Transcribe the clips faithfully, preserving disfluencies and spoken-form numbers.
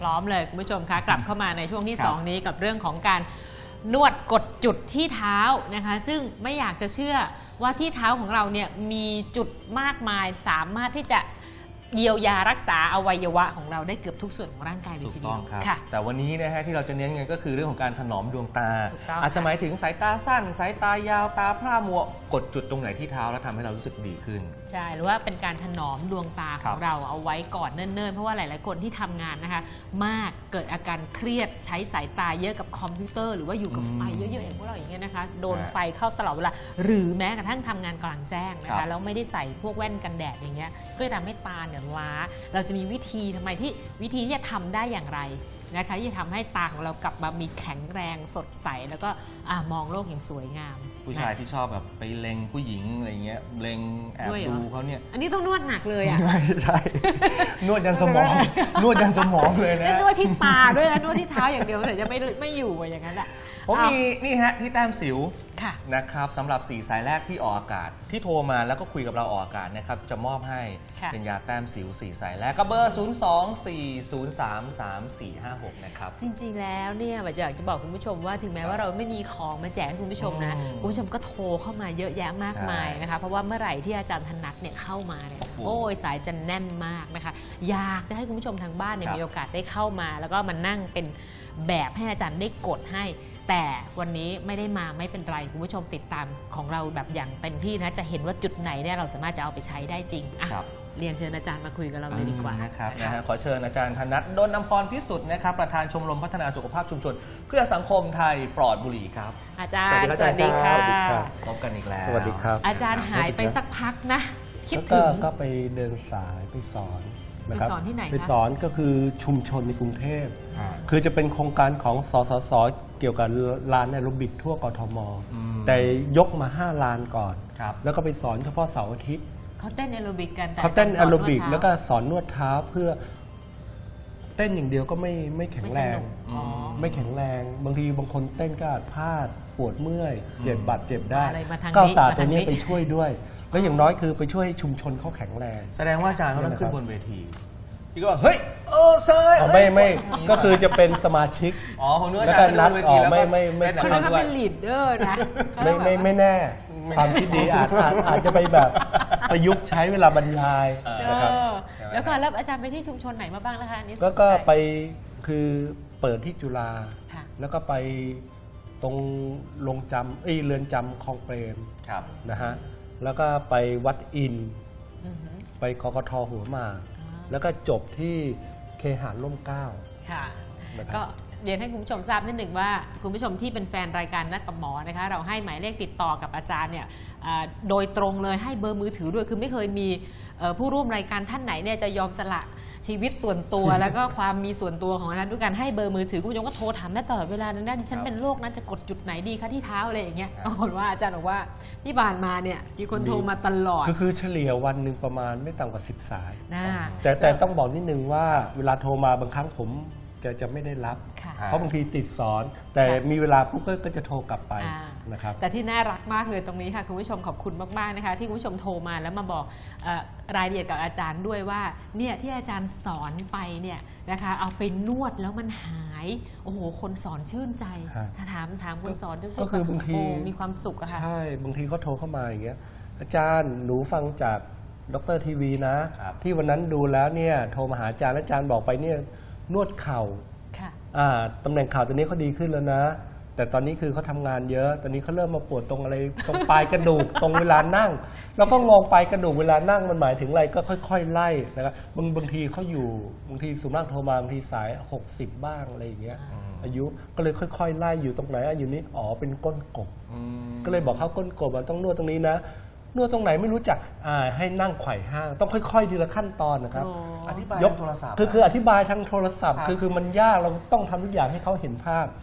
พร้อมเลยคุณผู้ชมคะกลับเข้ามาในช่วงที่สองนี้กับเรื่องของการนวดกดจุดที่เท้านะคะซึ่งไม่อยากจะเชื่อว่าที่เท้าของเราเนี่ยมีจุดมากมายสามารถที่จะเยียวยารักษาอวัยวะของเราได้เกือบทุกส่วนของร่างกายเลยทีเดียวค่ะแต่วันนี้นะฮะที่เราจะเน้นกันก็คือเรื่องของการถนอมดวงตาอาจจะหมายถึงสายตาสั้นสายตายาวตาพร่ามัวกดจุดตรงไหนที่เท้าแล้วทำให้เรารู้สึกดีขึ้นใช่หรือว่าเป็นการถนอมดวงตาของเราเอาไว้ก่อนเนิ่นๆเพราะว่าหลายๆคนที่ทำงานนะคะมากเกิดอาการเครียดใช้สายตาเยอะกับคอมพิวเตอร์หรือว่าอยู่กับไฟเยอะๆอย่างพวกเราอย่างเงี้ยนะคะโดนไฟเข้าตลอดเวลาหรือแม้กระทั่งทำงานกลางแจ้งนะคะแล้วไม่ได้ใส่พวกแว่นกันแดดอย่างเงี้ยก็จะทำให้ตาเนี่ยล้าเราจะมีวิธีทำไมที่วิธีที่จะทำได้อย่างไรนะคะที่จะทำให้ตาของเรากลับมามีแข็งแรงสดใสแล้วก็มองโลกอย่างสวยงามผู้ชายที่ชอบแบบไปเล็งผู้หญิงอะไรเงี้ยเล็งแอบดูเขาเนี่ยอันนี้ต้องนวดหนักเลยอ่ะไม่ใช่นวดยันสมองนวดยันสมองเลยนะนวดที่ตาด้วยนะนวดที่เท้าอย่างเดียวแต่จะไม่ไม่อยู่อย่างนั้นแหละผมมีนี่ฮะที่แต้มสิวนะครับสำหรับสี่สายแรกที่ออกอากาศที่โทรมาแล้วก็คุยกับเราออกอากาศนะครับจะมอบให้เป็นยาแต้มสิวสี่สายแรกก็เบอร์ศูนย์ สอง สี่ ศูนย์ สาม สาม สี่ ห้า หกนะครับจริงๆแล้วเนี่ยอยากจะบอกคุณผู้ชมว่าถึงแม้ว่าเราไม่มีของมาแจกให้คุณผู้ชมนะคุณผู้ชมก็โทรเข้ามาเยอะแยะมากมายนะคะเพราะว่าเมื่อไหร่ที่อาจารย์ธนัทเนี่ยเข้ามาเนี่ยโอ้ยสายจะแน่นมากนะคะอยากจะให้คุณผู้ชมทางบ้านเนี่ยมีโอกาสได้เข้ามาแล้วก็มานั่งเป็นแบบให้อาจารย์ได้กดให้แต่วันนี้ไม่ได้มาไม่เป็นไรคุณผู้ชมติดตามของเราแบบอย่างเต็มที่นะจะเห็นว่าจุดไหนเนี่ยเราสามารถจะเอาไปใช้ได้จริงอ่ะเรียนเชิญอาจารย์มาคุยกับเราเลยดีกว่านะครับนะฮะขอเชิญอาจารย์ธนัท ดลอำพรพิสุทธิ์นะครับประธานชมรมพัฒนาสุขภาพชุมชนเพื่อสังคมไทยปลอดบุหรี่ครับอาจารย์สวัสดีค่ะพบกันอีกแล้วสวัสดีครับอาจารย์หายไปสักพักนะคิดถึงก็ไปเดินสายไปสอนไปสอนที่ไหนคะไปสอนก็คือชุมชนในกรุงเทพคือจะเป็นโครงการของสสสเกี่ยวกับลานแอโรบิกทั่วกทมแต่ยกมาห้าลานก่อนแล้วก็ไปสอนเฉพาะเสาร์อาทิตย์เขาเต้นแอโรบิกกันเขาเต้นแอโรบิกแล้วก็สอนนวดเท้าเพื่อเต้นอย่างเดียวก็ไม่ไม่แข็งแรงไม่แข็งแรงบางทีบางคนเต้นก็พลาดปวดเมื่อยเจ็บบาดเจ็บได้ก็ศาสตร์ตัวนี้ไปช่วยด้วยแล้วอย่างน้อยคือไปช่วยชุมชนเขาแข็งแรงแสดงว่าอาจารย์เขาต้องขึ้นบนเวทีพี่ก็บอกเฮ้ยเออเซยไม่ไม่ก็คือจะเป็นสมาชิกอ๋อผมนึกว่าอาจารย์นัดอ๋อไม่ไม่ไม่คือเขาเป็นลีดเดอร์นะไม่ไม่ไม่แน่ความคิดดีอาจอาจจะไปแบบประยุกต์ใช้เวลาบรรยายนะครับแล้วก็แล้วอาจารย์ไปที่ชุมชนไหนมาบ้างนะคะนี่แล้วก็ไปคือเปิดที่จุฬาแล้วก็ไปตรงโรงจำเอ้ยเรือนจำคลองเปรมนะฮะแล้วก็ไปวัดอินไปกกทหัวหมากแล้วก็จบที่เคหะร่มเกล้าค่ะก็เรียนให้คุณผู้ชมทราบนิดหนึ่งว่าคุณผู้ชมที่เป็นแฟนรายการนัดกับหมอนะคะเราให้หมายเลขติดต่อกับอาจารย์เนี่ยโดยตรงเลยให้เบอร์มือถือด้วยคือไม่เคยมีผู้ร่วมรายการท่านไหนเนี่ยจะยอมสละชีวิตส่วนตัวแล้วก็ความมีส่วนตัวของนั้นด้วยการให้เบอร์มือถือคุณผู้ชมก็โทรถามได้ตลอดเวลานั้นดิฉันเป็นโรคนั้นจะกดจุดไหนดีคะที่เท้าอะไรอย่างเงี้ยปรากฏว่าอาจารย์บอกว่าที่ผ่านมาเนี่ยมีคนโทรมาตลอดคือเฉลี่ยวันหนึ่งประมาณไม่ต่ำกว่าสิบสายแต่แต่ต้องบอกนิดนึงว่าเวลาโทรมาบางครั้งผมจะไม่ได้รับเพราะบางทีติดสอนแต่มีเวลาปุ๊บก็จะโทรกลับไปนะครับแต่ที่น่ารักมากเลยตรงนี้ค่ะคุณผู้ชมขอบคุณมากๆนะคะที่คุณผู้ชมโทรมาแล้วมาบอกรายละเอียดกับอาจารย์ด้วยว่าเนี่ยที่อาจารย์สอนไปเนี่ยนะคะเอาไปนวดแล้วมันหายโอ้โหคนสอนชื่นใจถ้าถามถามคนสอนก็คือบางทีมีความสุขอะค่ะใช่บางทีเขาโทรเข้ามาอย่างเงี้ยอาจารย์หนูฟังจากดร.ทีวีนะที่วันนั้นดูแล้วเนี่ยโทรมาหาอาจารย์และอาจารย์บอกไปเนี่ยนวดเข่าตำแหน่งข่าวตัวนี้เขาดีขึ้นแล้วนะแต่ตอนนี้คือเขาทำงานเยอะตอนนี้เขาเริ่มมาปวดตรงอะไรตรงปลายกระดูก ตรงเวลานั่งแล้วก็งงปลายกระดูกเวลานั่งมันหมายถึงอะไรก็ค่อยๆไล่นะครับบางบางทีเขาอยู่บางทีสุนัขโทรมาบางทีสายหกสิบบ้างอะไรอย่างเงี้ยอายุก็เลยค่อยๆไล่อยู่ตรงไหนอยู่นี้อ๋อเป็นก้นกบก็เลยบอกเขาก้นกบมันต้องนวดตรงนี้นะนวดตรงไหนไม่รู้จักให้นั่งไขว่ห้างต้องค่อยๆทีละขั้นตอนนะครับอธิบายยกโทรศัพท์คือคืออธิบายทางโทรศัพท์คือคือมันยากเราต้องทำทุกอย่างให้เขาเห็นภาพก็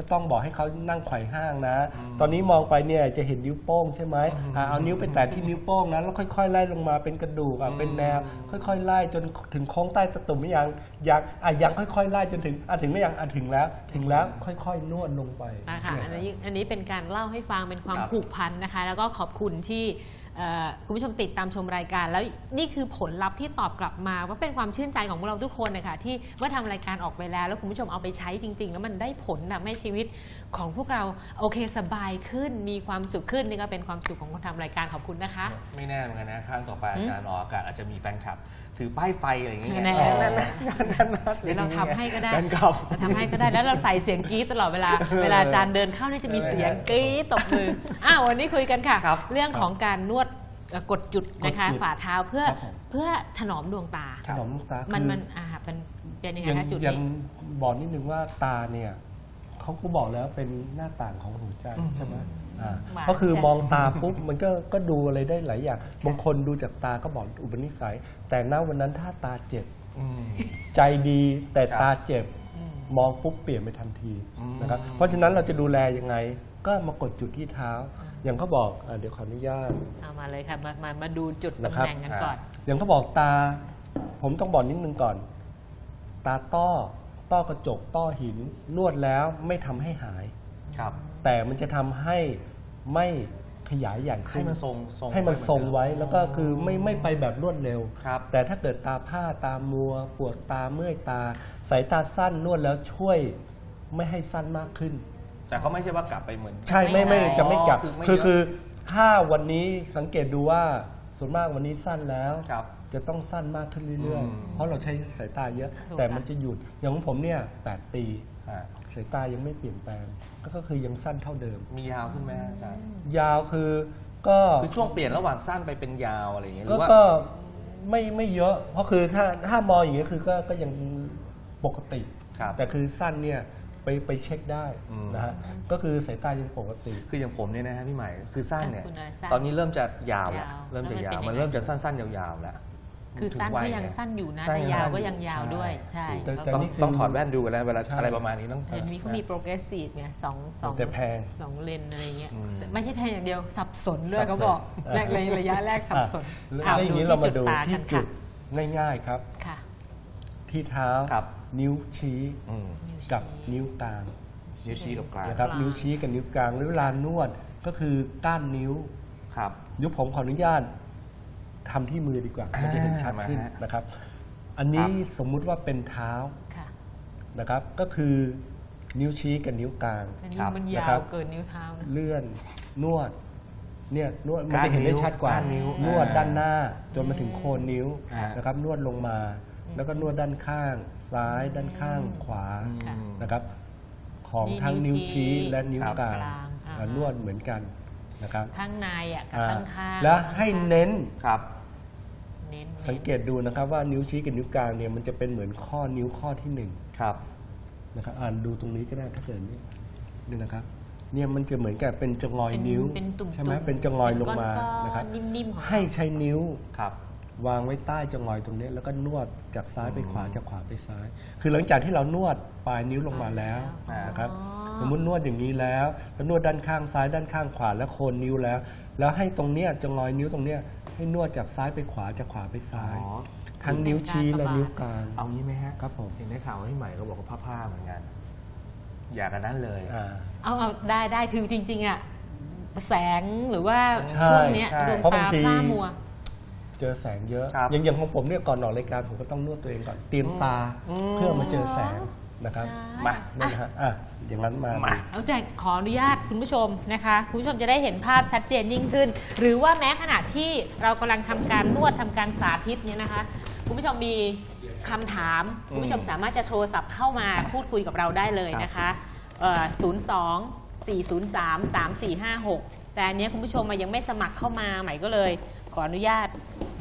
ก็ต้องบอกให้เขานั่งไขว่ห้างนะ ตอนนี้มองไปเนี่ยจะเห็นนิ้วโป้งใช่ไหมอ่าเอานิ้วไปแตะที่นิ้วโป้งนะแล้วค่อยๆไล่ลงมาเป็นกระดูกอ่ะเป็นแนวค่อยๆไล่จนถึงโค้งใต้ตะตุ่มไม่ยังยังอ่ะยังค่อยๆไล่จนถึงอ่ะถึงไม่ยังอ่ะถึงแล้วถึงแล้วค่อยๆนวดลงไปนะคะอันนี้อันนี้เป็นการเล่าให้ฟังเป็นความผูกพันนะคะแล้วก็ขอบคุณที่คุณผู้ชมติดตามชมรายการแล้วนี่คือผลลัพธ์ที่ตอบกลับมาว่าเป็นความชื่นใจของพวกเราทุกคนนะคะที่เมื่อทำรายการออกไปแล้วแล้วคุณผู้ชมเอาไปใช้จริงๆแล้วมันได้ผลทำให้ชีวิตของพวกเราโอเคสบายขึ้นมีความสุขขึ้นนี่ก็เป็นความสุขของคนทำรายการขอบคุณนะคะไม่แน่เหมือนกันนะครั้งต่อไปอาจารย์ออกอากาศอาจจะมีแฟนคลับถือป้ายไฟอะไรอย่างเงี้ยเดี๋ยวเราทำให้ก็ได้เราทำให้ก็ได้แล้วเราใส่เสียงกรี๊ดตลอดเวลาเวลาอาจารย์เดินเข้านี่จะมีเสียงกรี๊ดตบมืออ้าววันนี้คุยกันค่ะเรื่องของการนวดกดจุดนะคะฝ่าเท้าเพื่อเพื่อถนอมดวงตาถนอมดวงตามันมันอ่าเป็นเป็นยังไงคะจุดนี้ยังบอกนิดนึงว่าตาเนี่ยเขาก็บอกแล้วเป็นหน้าต่างของหัวใจใช่ไหมก็คือมองตาปุ๊บมันก็ก็ดูอะไรได้หลายอย่างบางคนดูจากตาก็บอกอุปนิสัยแต่ณวันนั้นถ้าตาเจ็บใจดีแต่ตาเจ็บมองปุ๊บเปลี่ยนไปทันทีนะครับเพราะฉะนั้นเราจะดูแลยังไงก็มากดจุดที่เท้าอย่างเขาบอกเดี๋ยวขออนุญาตเอามาเลยค่ะมามามาดูจุดตำแหน่งกันก่อนอย่างเขาบอกตาผมต้องบอกนิดนึงก่อนตาต้อต้อกระจกต้อหินนวดแล้วไม่ทำให้หายครับแต่มันจะทำให้ไม่ขยายใหญ่ขึ้นให้มันทรงให้มันทรงไว้แล้วก็คือไม่ไม่ไปแบบรวดเร็วแต่ถ้าเกิดตาผ้าตามัวปวดตาเมื่อยตาสายตาสั้นนวดแล้วช่วยไม่ให้สั้นมากขึ้นแต่ก็ไม่ใช่ว่ากลับไปเหมือนใช่ไม่ไม่จะไม่กลับคือคือถ้าวันนี้สังเกตดูว่าส่วนมากวันนี้สั้นแล้วจะต้องสั้นมากขึ้นเรื่อยๆเพราะเราใช้สายตาเยอะแต่มันจะหยุดอย่างของผมเนี่ยแปดปีสายตายังไม่เปลี่ยนแปลงก็คือยังสั้นเท่าเดิมมียาวขึ้นไหมอาจารย์ยาวคือก็คือช่วงเปลี่ยนระหว่างสั้นไปเป็นยาวอะไรอย่างเงี้ยก็ไม่ไม่เยอะเพราะคือถ้าถ้ามองอย่างเงี้ยคือก็ก็ยังปกติแต่คือสั้นเนี่ยไปไปเช็คได้นะฮะก็คือสายตายังปกติคืออย่างผมเนี่ยนะฮะพี่ใหม่คือสั้นเนี่ยตอนนี้เริ่มจะยาวแล้วเริ่มจะยาวมันเริ่มจะสั้นๆยาวๆแล้วคือสั้นก็ยังสั้นอยู่นะแต่ยาวก็ยังยาวด้วยใช่ต้องต้องถอดแว่นดูกันแล้วเวลาอะไรประมาณนี้ต้องเห็นมีเขามีโปรเกรสซีฟเนี่ยสองสองแต่แพงสองเลนอะไรเงี้ยไม่ใช่แพงอย่างเดียวสับสนด้วยเขาบอกแรกเลยระยะแรกสับสนเอาดูที่จุดตากันค่ะง่ายๆครับที่เท้านิ้วชี้กับนิ้วกลางนิ้วชี้กับกลางนะครับนิ้วชี้กับนิ้วกลางเวลานวดก็คือก้านนิ้วครับยุบผมขออนุญาตทำที่มือดีกว่ามันจะเห็นชัดขึ้นนะครับอันนี้สมมุติว่าเป็นเท้านะครับก็คือนิ้วชี้กับนิ้วกลางมันยาวเกินนิ้วเท้าเลื่อนนวดเนี่ยนวดมันจะเห็นได้ชัดกว่านวดด้านหน้าจนมาถึงโคนนิ้วนะครับนวดลงมาแล้วก็นวดด้านข้างซ้ายด้านข้างขวานะครับของทั้งนิ้วชี้และนิ้วกลางนวดเหมือนกันนะครับข้างในอ่ะกับข้างข้างแล้วให้เน้นครับสังเกตดูนะครับว่านิ้วชี้กับนิ้วกลางเนี่ยมันจะเป็นเหมือนข้อนิ้วข้อที่หนึ่งครับนะครับอ่านดูตรงนี้ก็ได้ถ้าเกิดนี่นี่นะครับเนี่ยมันจะเหมือนกับเป็นจงอยนิ้วใช่ไหมเป็นจงอยลงมานะครับให้ใช้นิ้วครับวางไว้ใต้จงอยตรงนี้แล้วก็นวดจากซ้ายไปขวาจากขวาไปซ้ายคือหลังจากที่เรานวดปลายนิ้วลงมาแล้วนะครับสมมตินวดอย่างนี้แล้วแล้วนวดด้านข้างซ้ายด้านข้างขวาและโคนนิ้วแล้วแล้วให้ตรงเนี้ยจงอยนิ้วตรงเนี้ยให้นวดจากซ้ายไปขวาจากขวาไปซ้ายทั้งนิ้วชี้และนิ้วกลางเอางี้ไหมฮะครับผมเห็นได้ข่าวให้ใหม่ก็บอกว่าผ้าๆเหมือนกันอยากกันนั้นเลยเอาเอาได้ได้คือจริงๆอ่ะแสงหรือว่าช่วงนี้ดวงตาพร่ามัวเจอแสงเยอะอย่างอย่างของผมเนี่ยก่อนออกรายการผมก็ต้องนวดตัวเองก่อนเตรียมตาเพื่อมาเจอแสงนะครับมานั่นฮะอ่ะอย่างนั้นมาเอาใจขออนุญาตคุณผู้ชมนะคะคุณผู้ชมจะได้เห็นภาพชัดเจนยิ่งขึ้นหรือว่าแม้ขณะที่เรากำลังทำการนวดทำการสาธิตเนี่ยนะคะคุณผู้ชมมีคำถามคุณผู้ชมสามารถจะโทรศัพท์เข้ามาพูดคุยกับเราได้เลยนะคะศูนย์ สอง สี่ ศูนย์ สาม สาม สี่ ห้า หกแต่อันนี้คุณผู้ชมมายังไม่สมัครเข้ามาใหม่ก็เลยขออนุญาต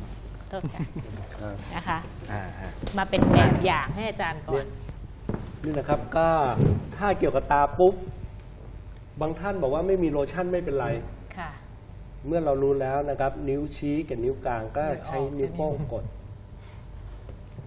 นะคะมาเป็นแบบอย่างให้อาจารย์ก่อนนี่นะครับก็ถ้าเกี่ยวกับตาปุ๊บบางท่านบอกว่าไม่มีโลชั่นไม่เป็นไรเมื่อเรารู้แล้วนะครับนิ้วชี้กับนิ้วกลางก็ใช้นิ้วโป้งกด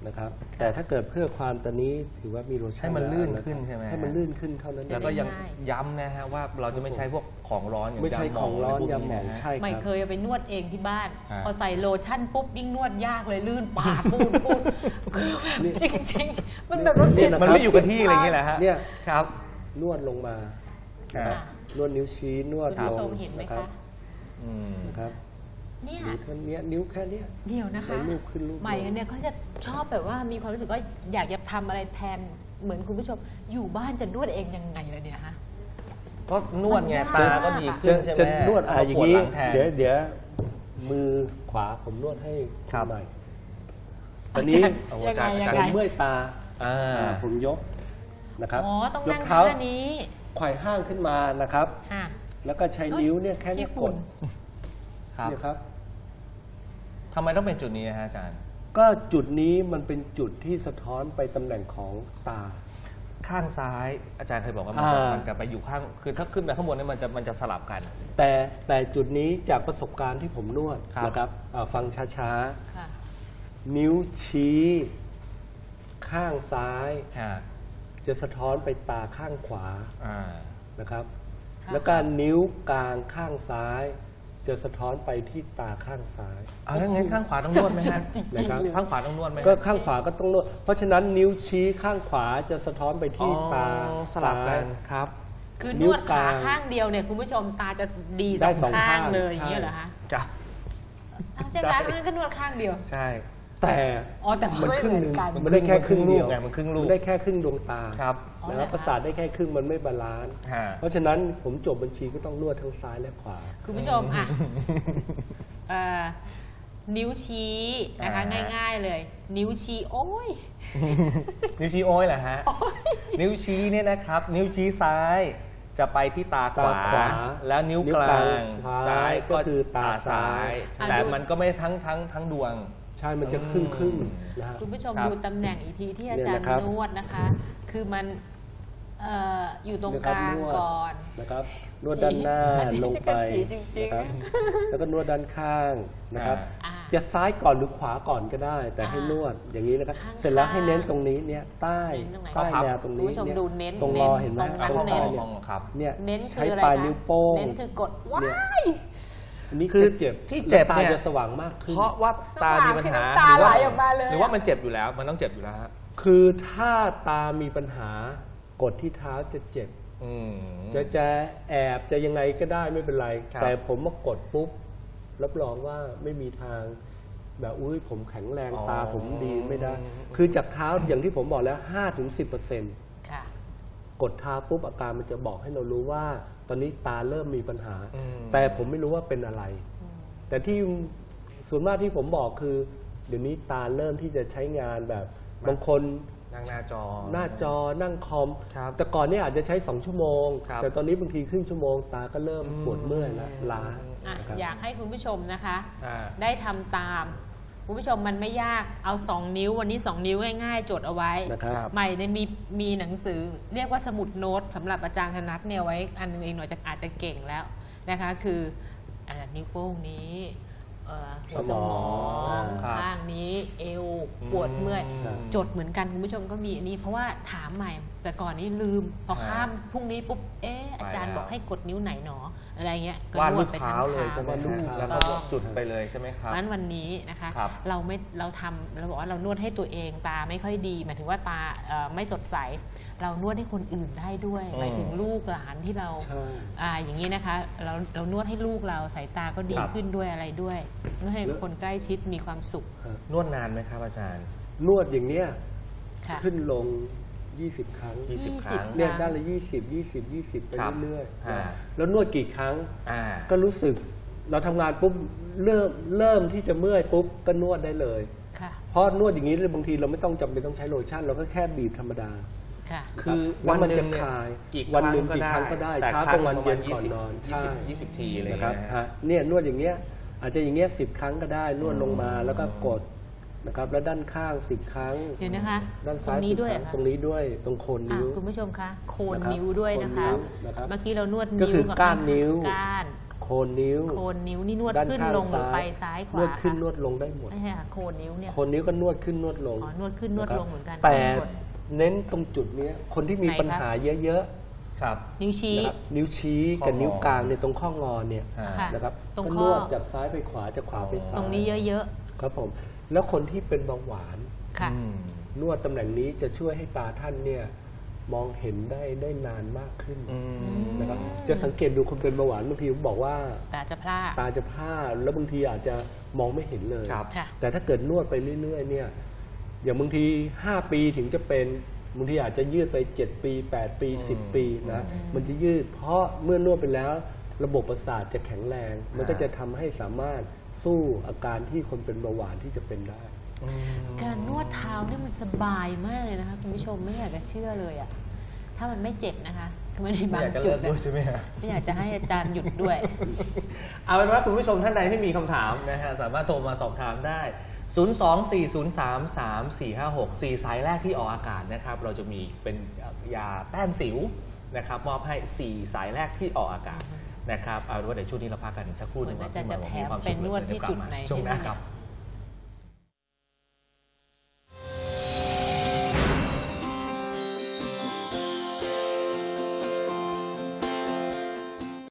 นะครับแต่ถ้าเกิดเพื่อความตอนนี้ถือว่ามีโลชั่นให้มันลื่นแล้วะขึ้นใช่ไหมให้มันลื่นขึ้นเท่านั้นเอแล้วงก็ยังย้ำนะฮะว่าเราจะไม่ใช้พวกของร้อนอย่างไม่ใช่ยาหมขออง งร้อนะไรพวกยาหมองนะฮะใช่คไม่รับเคยเอาไปนวดเองที่บ้านอ่าพอใส่โลชั่นปุ๊บยิ่งนวดยากเลยลื่นปากปูนปูนจริงๆ มันแบบรถเสียมันไม่อยู่กับที่อะไรอย่างเงี้ยแหละฮะเนี่ยครับนวดลงมาอ่านะครับนวดนิ้วชี้นวดคุณลผู้ชงมเห็นไหมนะครัคะบอืมนะครับเนี่ยนิ้วแค่เนี้ยนิ้วแค่เนี้ยเดี๋ยวนะคะแล้วลูกขึ้นลูกลงใหม่เนี่ยเขาจะชอบแบบว่ามีความรู้สึกว่าอยากจะทำอะไรแทนเหมือนคุณผู้ชมอยู่บ้านจะนวดเองยังไงเลยเนี่ยฮะก็นวดไงมันยากตาก็ดีจะขึ้นใช่ไหมจะนวดอ่ะเขอย่าปงวดนี้หลังแทนเดี๋ยวเดี๋ยวมือขวาผมนวดให้ครับใหม่ตอนนี้เอายังไงอายัจารงย์ผมไงเมื่อยตาอ่าอ่าผมยกนะครับอ๋อต้องยนั่กงเท้าท่านี้ไขว่ห้างขึ้นมานะครับค่ะแล้วก็ใช้นิ้วเนี่ยแค่เนี้ยขี้กฝุ่ดนครับเนี่ยครับทำไมต้องเป็นจุดนี้นะฮะอาจารย์ก็จุดนี้มันเป็นจุดที่สะท้อนไปตำแหน่งของตาข้างซ้ายอาจารย์เคยบอกว่ามันจะอ่ามัมันจะไปอยู่ข้างคือถ้าขึ้นไปข้างบนเนี่ยมันจะมันจะสลับกันแต่แต่จุดนี้จากประสบการณ์ที่ผมนวดครับนะครับอ่าฟังช้าค่ะๆ นิ้วชี้ ข้างซ้ายฮะจะสะท้อนไปตาข้างขวาอ่านะครับค่ะแล้วก็นิ้วกลางข้างซ้าย จะสะท้อนไปที่ตาข้างซ้ายเอาแล้วงั้นข้างขวาต้องนวดไหมฮะจริงๆนะครับเลยข้างขวาต้องนวดไหมฮะก็ข้างขวาก็ต้องนวด เพราะฉะนั้นนิ้วชี้ข้างขวาจะสะท้อนไปที่ตาอ๋อสลับกัซ้ายนครับคือนนิ้ววดขากลางข้างเดียวเนี่ยคุณผู้ชมตาจะดีได้สองสองข้างข้างเลยอใช่ย่างเงี้ยเหรอคะจ้ะอ้าวใช่ไหมงั้นก็นวดข้างเดียวใช่แต่อ๋อแต่ว่ามันไม่ครึ่งเหหมืนึ่อง นกันมันได้แค่ครึ่งเดียวไงมันครึ่งลูกมันได้แค่ครึ่งดวงตาครับอ๋อนะครับเหรอคะประสาทได้แค่ครึ่งมันไม่บาลานซ์ฮะเพราะฉะนั้นผมจบบัญชีก็ต้องนวดทั้งซ้ายและขวาคุณผู้ชมอ่ะเอ่อนิ้วชี้นะคะอ่าง่าย ๆเลย นิ้วชี้โอ้ยนิ้วชี้โอ้ยเหรอฮะ นิ้วชี้เนี่ยนะครับ นิ้วชี้ซ้ายจะไปที่ตาขวาตาขวาแล้วนิ้วกลางนิ้วกลางซ้ายก็คือตาซ้ายแต่มันก็ไม่ทั้งทั้งทั้งดวงใช่มันจะครึ่งครึ่งๆนะฮะคุณผู้ชมครับดูตำแหน่งอีกทีที่อาจารย์เนี่ยนะครับนวดนะคะ คือมันเอ่ออยู่ตรงกลางนะครับนวดก่อนนะครับนวดด้านหน้าจี้ลงไปจี้จริงๆนะครับแล้วก็นวดด้านข้างนะครับอ่าจะซ้ายก่อนหรือขวาก่อนก็ได้ แต่ให้อ่านวดอย่างนี้นะครับข้างๆเสร็จแล้วให้เน้นตรงนี้เนี่ยใต้เน้นตรงไหนใต้แนวตรงคุณนี้ผู้ชมเนี่ยดูเน้นตรงเน้รนอเห็นไหมตรงนั้นข้างเน้นๆมองครับเนี่ยเน้นใช้คืออะไรปลายคะนิ้วโป้งเน้นคือกดว้ายอันนี้คือจะเจ็บที่เจ็บตาเนี่ยจะสว่างมากขึ้นเพราะว่าตามีปัญหาสว่างคือน้ำตาไหลออกมาเลยหรือว่ามันเจ็บอยู่แล้ว มันต้องเจ็บอยู่แล้วฮะคือถ้าตามีปัญหากดที่เท้าจะเจ็บอืมจะจะแอบจะยังไงก็ได้ไม่เป็นไรครับแต่ผมมากดปุ๊บรับรองว่าไม่มีทาง แบบอุ้ยผมแข็งแรงอ๋อตาผมดีไม่ได้ คือจากเท้าอย่างที่ผมบอกแล้ว ห้าถึงสิบเปอร์เซ็นต์ค่ะกดเท้าปุ๊บอาการมันจะบอกให้เรารู้ว่า ตอนนี้ตาเริ่มมีปัญหาอืมแต่ผมไม่รู้ว่าเป็นอะไร แต่ที่ส่วนมากที่ผมบอกคือ เดี๋ยวนี้ตาเริ่มที่จะใช้งานแบบบางคนนั่งหน้าจอหน้าจอนั่งคอมครับแต่ก่อนเนี่ยอาจจะใช้สองชั่วโมงครับแต่ตอนนี้บางทีครึ่งชั่วโมงตาก็เริ่มอืมปวดเมื่อยแล้วล้าอ่ะนะครับอยากให้คุณผู้ชมนะคะอ่าได้ทำตาม คุณผู้ชมมันไม่ยากเอาสองนิ้ววันนี้สองนิ้วง่ายๆ จดเอาไว้นะครับใหม่เนี่ยมีมีหนังสือเรียกว่าสมุดโน้ตสำหรับอาจารย์ธนัทเนี่ยไว้อันนึงเองหน่อยจะอาจจะเก่งแล้วนะคะคืออ่านิ้วโป้งนี้เอ่อหัวสมองครับข้างนี้เอวปวดเมื่อยอืมจดเหมือนกันคุณผู้ชมก็มีอันนี้เพราะว่าถามใหม่แต่ก่อนนี้ลืมพอข้ามพรุ่งนี้ปุ๊บเอ๊ะอาจารย์บอกให้กดนิ้วไหนหนออะไรเงี้ยก็วาดนรูวดปไปเท้าทั้งเลยใช่ไหมเท้าฮะแล้วก็จุดไปเลยใช่ไหมครับนั้นวันนี้นะคะครับเราไม่เราทำเราบอกว่าเรานวดให้ตัวเองตาไม่ค่อยดี หมายถึงว่าตาเอ่อไม่สดใส เรานวดให้คนอื่นได้ด้วยอืมหมายถึงลูกหลานที่เราใช่อ่าอย่างนี้นะคะเราเรานวดให้ลูกเราสายตาก็ดีครับขึ้นด้วยอะไรด้วยนวดให้คนใกล้ชิดมีความสุขนวดนานไหมครับอาจารย์นวดอย่างเนี้ยค่ะขึ้นลงยี่สิบครั้งยี่สิบยี่คสิบรั้งเนี่ยด้านละยี่สิบ ยี่สิบ ยี่สิบไปครับเรื่อยอ่าๆแล้วนวดกี่ครั้งอ่าก็รู้สึกเราทำงานปุ๊บเริ่มเริ่มที่จะเมื่อยปุ๊บก็นวดได้เลยค่ะเพราะนวดอย่างนี้บางทีเราไม่ต้องจำเป็นต้องใช้โลชั่น เราก็แค่บีบธรรมดาค่ะคือแล้วมันจะวันหนึ่งเนี่ยคลายกี่ควันรั้งหนึ่งก็กี่ได้ครั้งก็ได้แต่เช้าครั้กลาง งวันประเย็มาณนก่อนนอนยี่สิบ ยี่สิบทีอะไรอย่างนะคเงี้รับยนะฮะฮะเนี่ยนวดอย่างเงี้ยอาจจะอย่างเงี้ยสิบครั้งก็ได้นวดลงมาแล้วก็กดนะครับแล้วด้านข้างสิบครั้งเดี๋ยวนะคะด้านตรซ้าง ยนี้สิบด้วยครั้งเหรอคะตรงนี้ด้วยตรงโคนอ่ะนิ้วคุณผู้ชมคะโคนนะครับนิ้วด้วยนะคะโคนนิ้วนะครับเมื่อกี้เรานวดก็นิ้วคือกับก้านนิ้วก้านกโคนนิ้วโคนนิ้วนี่นวดด้านขึ้นข้างลงหรือซ้ายไปซ้ายขวานวดขึ้นคะนวดลงได้หมดไม่ใช่ค่ะโคนนิ้วเนี่ยโคนนิ้วก็นวดขึ้นนวดลงอ๋อนวดขึ้นนวดลงเหมือนกันแต่กดเน้นตรงจุดเนี้ยคนที่มีไหนปัญครับหาเยอะครับนิ้วๆชี้นะครับนิ้วชี้กับข้องอนิ้วกลางเนี่ยตรงข้องอเนี่ยอ่าค่ะนะครับตรงก็ข้นอวดจากซ้ายไปขวาจากขวาไปซ้ายตรงนี้เยอะครับผมแล้วคนที่เป็นเบาหวานๆค่ะอืมนวดตำแหน่งนี้จะช่วยให้ตาท่านเนี่ยมองเห็นได้ได้นานมากขึ้นอืมนะครับจะสังเกตดูคนเป็นเบาหวานบางทีผมบอกว่าตาจะพร่าตาจะพร่าแล้วบางทีอาจจะมองไม่เห็นเลยครับค่ะแต่ถ้าเกิดนวดไปเรื่อยๆเนี่ยอย่างบางทีห้าปีถึงจะเป็นบางทีอาจจะยืดไปเจ็ดปีแปดปีสิบปีนะมันจะยืดเพราะเมื่อนวดไปแล้วระบบประสาทจะแข็งแรง มันก็จะทำให้สามารถสู้อาการที่คนเป็นเบาหวานที่จะเป็นได้การนวดเท้าเนี่ยมันสบายมากเลยนะคะคุณผู้ชมไม่อยากจะเชื่อเลยอะถ้ามันไม่เจ็บนะคะคือไม่ได้บางอยากจะจุเลิดกนะด้วยใช่ไหมฮะไม่อยากจะให้อาจารย์หยุดด้วยเอาเป็นว่าคุณผู้ชมท่านใดที่มีคำถามนะฮะสามารถโทรมาสอบถามได้ ศูนย์ สอง สี่ ศูนย์ สาม สาม สี่ ห้า หก สี่สายแรกที่ออกอากาศนะครับเราจะมีเป็นยาแต้มสิวนะครับมอบให้สี่สายแรกที่ออกอากาศนะครับเอาเป็นว่าเดี๋ยวช่วงนี้เราพักกันสักครู่หนึงเหมือนอาจารย์ก่จะนแถมควาสุขไปนวดที่เยกลับจุดมาไหนช่วงหน้าใช่ไหมครับ